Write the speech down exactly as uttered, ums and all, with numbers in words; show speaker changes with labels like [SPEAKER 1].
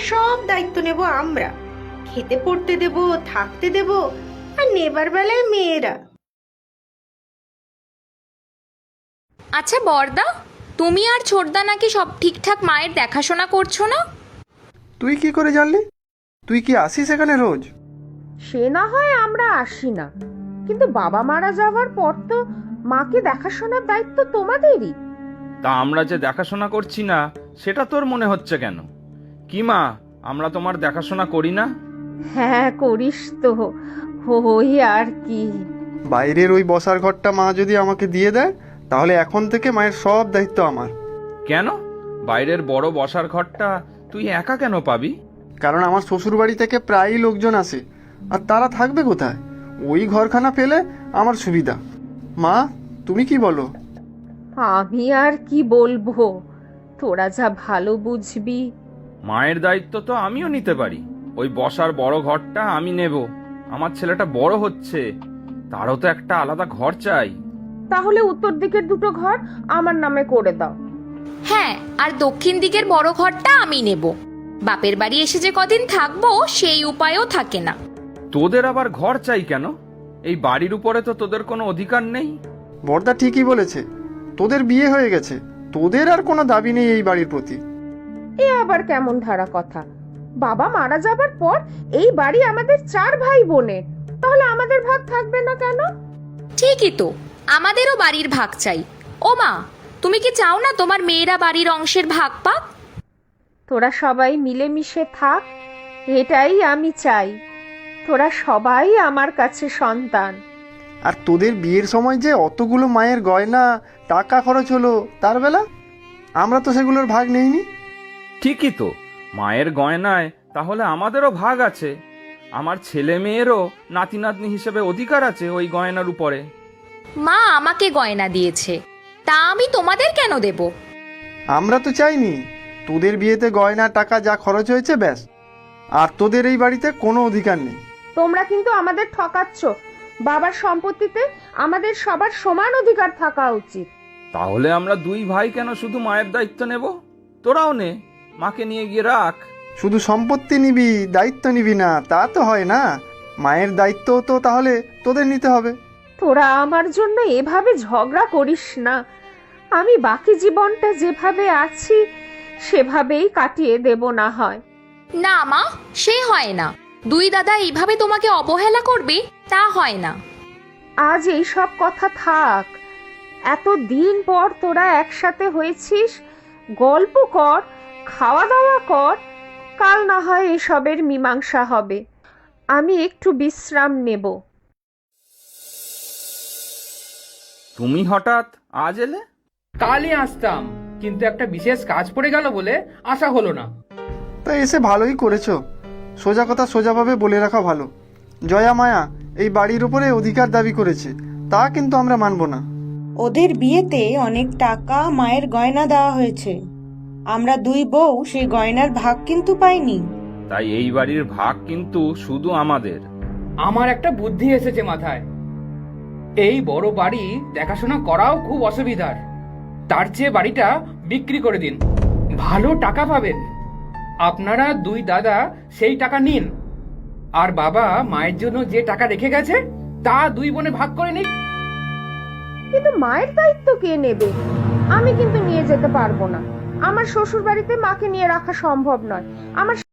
[SPEAKER 1] সব দায়িত্ব নেব আমরা, খেতে পড়তে দেব, থাকতে দেব, আর নেবার বেলায় মেয়েরা।
[SPEAKER 2] আচ্ছা বর্দা, তুমি আর ছোটদা নাকি সব ঠিকঠাক মায়ের দেখাশোনা করছো না?
[SPEAKER 3] তুই কি করে জানলি? তুই কি আসিস এখানে রোজ?
[SPEAKER 4] সে না হয় আমরা আসি না, কিন্তু বাবা মারা যাওয়ার পর তো মাকে দেখাশোনার দায়িত্ব তোমাদেরই।
[SPEAKER 5] তা আমরা যে দেখাশোনা করছি না সেটা তোর মনে হচ্ছে কেন? কি মা, আমরা তোমার দেখাশোনা করি না?
[SPEAKER 4] হ্যাঁ করিস তো, ওই আর কি।
[SPEAKER 3] বাইরের ওই বসার ঘরটা মা যদি আমাকে দিয়ে দেয়, তাহলে এখন থেকে মায়ের সব দায়িত্ব আমার।
[SPEAKER 5] কেন? বাইরের বড় বসার ঘরটা তুই একা কেন পাবি?
[SPEAKER 3] কারণ আমার শ্বশুর বাড়ি থেকে প্রায়ই লোকজন আসে, আর তারা থাকবে কোথায়? ওই ঘরখানা পেলে আমার সুবিধা। মা, তুমি কি বলো?
[SPEAKER 4] আমি আর কি বলবো, তোরা যা ভালো বুঝবি।
[SPEAKER 5] মায়ের দায়িত্ব তো আমিও নিতে পারি। ওই বসার বড় ঘরটা আমি নেব। আমার ছেলেটা বড় হচ্ছে, তারও তো একটা আলাদা ঘর চাই।
[SPEAKER 4] তাহলে উত্তর দিকের দুটো ঘর আমার নামে করে দাও।
[SPEAKER 2] হ্যাঁ, আর দক্ষিণ দিকের বড় ঘরটা আমি নেব। বাপের বাড়ি এসে যে কদিন থাকবো সেই উপায়ও থাকে না।
[SPEAKER 5] তোদের আবার ঘর চাই কেন? এই বাড়ির উপরে তো তোদের কোনো অধিকার নেই।
[SPEAKER 3] বর্দা ঠিকই বলেছে, তোদের বিয়ে হয়ে গেছে, তোদের আর কোনো দাবি নেই এই বাড়ির প্রতি।
[SPEAKER 4] এ আবার কেমন ধারা কথা? বাবা মারা যাবার পর এই বাড়ি আমাদের চার ভাই বোনের, তাহলে আমাদের ভাগ থাকবে না কেন?
[SPEAKER 2] ঠিকই তো, আমাদেরও বাড়ির ভাগ চাই। ও মা, তুমি কি চাও না তোমার মেয়েরা বাড়ির অংশের ভাগ পাক?
[SPEAKER 4] তোরা সবাই মিলেমিশে থাক, এটাই আমি চাই। তোরা সবাই আমার কাছে সন্তান।
[SPEAKER 3] আর তোদের বিয়ের সময় যে অতগুলো মায়ের গয়না টাকা খরচ হলো, তার বেলা আমরা তো সেগুলোর ভাগ নেইনি।
[SPEAKER 5] ঠিকই তো, মায়ের গয়নায় তাহলে আমাদেরও ভাগ আছে। আমার ছেলে মেয়েরও নাতি নাতনি হিসেবে অধিকার আছে ওই গয়নার উপরে।
[SPEAKER 2] মা আমাকে গয়না দিয়েছে, তা আমি তোমাদের কেন দেব?
[SPEAKER 3] আমরা তো চাইনি, তোদের বিয়েতে গয়না টাকা যা খরচ হয়েছে ব্যাস, আর তোদের এই বাড়িতে কোনো অধিকার নেই।
[SPEAKER 4] তোমরা কিন্তু আমাদের ঠকাচ্ছ। বাবার সম্পত্তিতে আমাদের সবার সমান অধিকার থাকা উচিত।
[SPEAKER 5] তাহলে আমরা দুই ভাই কেন শুধু মায়ের দায়িত্ব নেব? তোরাও নে, মাকে নিয়ে গিয়ে রাখ।
[SPEAKER 3] শুধু সম্পত্তি নিবি, দায়িত্ব নিবি না তা তো হয় না। মায়ের দায়িত্ব তো তাহলে তোদের নিতে হবে।
[SPEAKER 4] তোরা আমার জন্য এভাবে ঝগড়া করিস না। আমি বাকি জীবনটা যেভাবে আছি সেভাবেই কাটিয়ে দেব না হয়।
[SPEAKER 2] না মা, সে হয় না। দুই দাদা এইভাবে তোমাকে অবহেলা করবে, তা হয় না।
[SPEAKER 4] আজ এই সব কথা থাক। এত দিন পর তোরা একসাথে হয়েছিস, গল্প কর, খাওয়া দাওয়া কর, কাল না হয় এসবের মীমাংসা হবে। আমি একটু বিশ্রাম নেব।
[SPEAKER 5] তুমি হঠাৎ আজ এলে?
[SPEAKER 6] কালই আসতাম, কিন্তু একটা বিশেষ কাজ পড়ে গেল বলে আসা হলো না।
[SPEAKER 3] তা এসে ভালোই করেছো। সোজা কথা সোজাভাবে বলে রাখা ভালো। জয়া মায়া এই বাড়ির উপরে অধিকার দাবি করেছে, তা কিন্তু আমরা মানব না।
[SPEAKER 1] ওদের বিয়েতে অনেক টাকা মায়ের গয়না দেওয়া হয়েছে, আমরা দুই বউ সেই গয়নার ভাগ কিন্তু পাইনি।
[SPEAKER 5] তাই এই বাড়ির ভাগ কিন্তু শুধু আমাদের।
[SPEAKER 6] আমার একটা বুদ্ধি এসেছে মাথায়। এই বড় বাড়ি দেখাশোনা করাও খুব অসুবিধার। তার চেয়ে বাড়িটা বিক্রি করে দিন, ভালো টাকা পাবেন। আপনারা দুই দাদা সেই টাকা নিন, আর বাবা মায়ের জন্য যে টাকা রেখে গেছে তা দুই বোনে ভাগ করে নিন।
[SPEAKER 4] কিন্তু মায়ের দায়িত্ব কে নেবে? আমি কিন্তু নিয়ে যেতে পারবো না। আমার শ্বশুর বাড়িতে মাকে নিয়ে রাখা সম্ভব নয়। আমার